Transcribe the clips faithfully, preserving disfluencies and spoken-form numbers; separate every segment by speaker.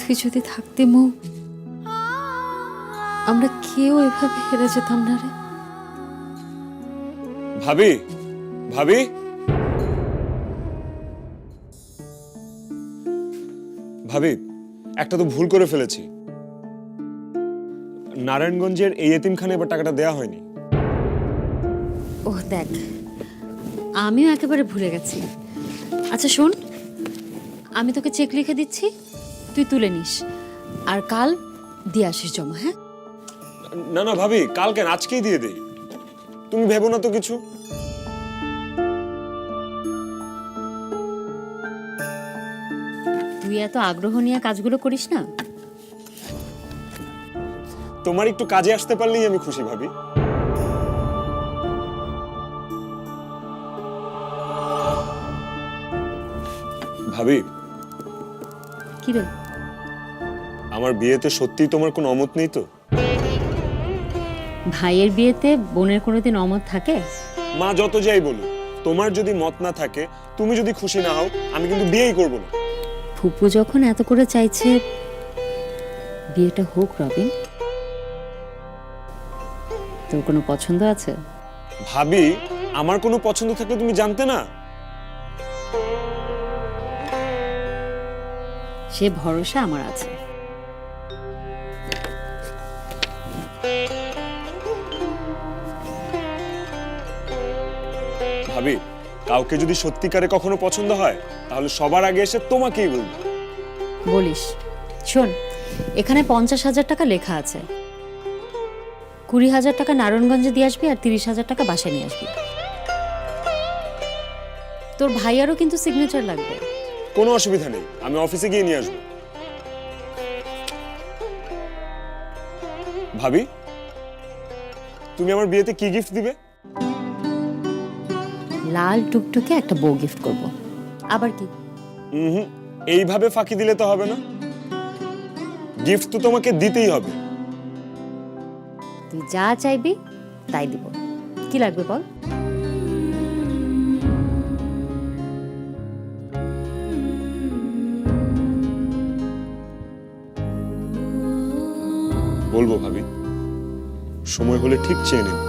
Speaker 1: তুই যদি থাকতি মৌ, আমরা কেউ এভাবে হেরে যেতাম না রে।
Speaker 2: ভাবি, ভাবি, ভাবি, একটা তো ভুল করে ফেলেছি। নারায়ণগঞ্জের এই এতিমখানে এবার টাকাটা দেয়া হয়নি।
Speaker 1: ওহ দেখ, আমিও একেবারে ভুলে গেছি। আচ্ছা শোন, আমি তোকে চেক লিখে দিচ্ছি, তুই তুলে নিস, আর কাল দিয়ে আসিস জমা। হ্যাঁ
Speaker 2: না না ভাবি, কাল কেন, আজকেই দিয়ে দেই। তুমি ভেবো না তো কিছু।
Speaker 1: তুই এত আগ্রহ নিয়ে কাজগুলো করিস না।
Speaker 2: তোমার একটু কাজে আসতে পারলেই আমি খুশি ভাবি। ভাবি,
Speaker 1: কি রে?
Speaker 2: আমার বিয়েতে সত্যিই তোমার কোনো অমত নেই তো?
Speaker 1: ভাইয়ের বিয়েতে বোনের কোনোদিন অমত থাকে?
Speaker 2: মা যত যাই বলুক, তোমার যদি মত না থাকে, তুমি যদি খুশি না হও, আমি কিন্তু বিয়েই করব না।
Speaker 1: ফুপু যখন এত করে চাইছে, বিয়েটা হোক। রবিন, তোর কোনো পছন্দ আছে?
Speaker 2: ভাবি, আমার কোনো পছন্দ থাকলে তুমি জানতে না?
Speaker 1: সে ভরসা আমার আছে।
Speaker 2: ভাবি, কাউকে যদি সত্যিকারে কখনো পছন্দ হয়, তাহলে সবার আগে এসে তোমাকেই বলবো।
Speaker 1: বলিস। শোন, এখানে পঞ্চাশ হাজার টাকা লেখা আছে। কুড়ি হাজার টাকা নারায়ণগঞ্জে দিয়ে আসবি, আর তিরিশ হাজার টাকা বাসায় নিয়ে আসবি। তোর ভাইয়ারও কিন্তু সিগনেচার লাগবে।
Speaker 2: কোনো অসুবিধা নেই, আমি অফিসে গিয়ে নিয়ে আসবো। ভাবি, তুমি আমার বিয়েতে কি গিফট দিবে?
Speaker 1: লাল টুকটুকে একটা বউ গিফট করব। আবার কি?
Speaker 2: হুম, এইভাবে ফাঁকি দিলে তো হবে না। গিফট তো তোমাকে দিতেই হবে।
Speaker 1: তুই যা চাইবি তাই দিব। কি লাগবে বল?
Speaker 2: বলবো ভাবি, সময় হলে ঠিক চেয়ে নেব।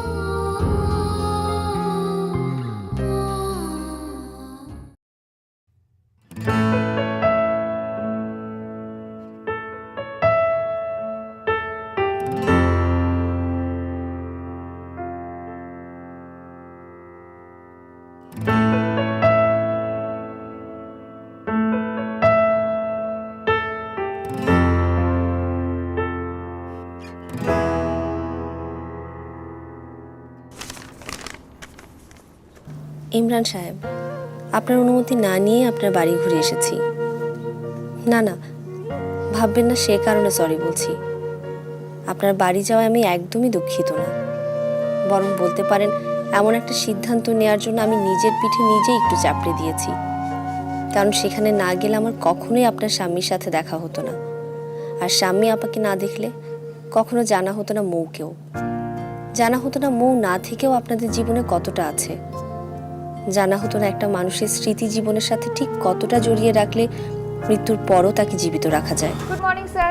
Speaker 3: ইমরান সাহেব, আপনার অনুমতি না নিয়ে আপনার বাড়ি ঘুরে এসেছি। না না, ভাববেন না সে কারণে সরি বলছি। আপনার বাড়ি যাওয়ায় আমি একদমই দুঃখিত না, বরং বলতে পারেন এমন একটা সিদ্ধান্ত নেওয়ার জন্য আমি নিজের পিঠে নিজেই একটু চাপড়ে দিয়েছি। কারণ সেখানে না গেলে আমার কখনোই আপনার স্বামীর সাথে দেখা হতো না, আর স্বামী আপাকে না দেখলে কখনো জানা হতো না মৌকেও, জানা হতো না মৌ না থেকেও আপনাদের জীবনে কতটা আছে, জানা হতো না একটা মানুষের স্মৃতি জীবনের সাথে ঠিক কতটা জড়িয়ে রাখলে মৃত্যুর পরও তাকে জীবিত রাখা যায়।
Speaker 4: Good morning sir.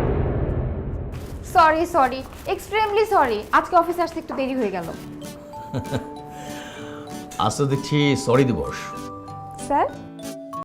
Speaker 4: Sorry sorry extremely sorry, আজকে অফিসে আসতে একটু দেরি হয়ে গেল।
Speaker 5: আজ তো দেখছি সরি দিবস।
Speaker 4: স্যার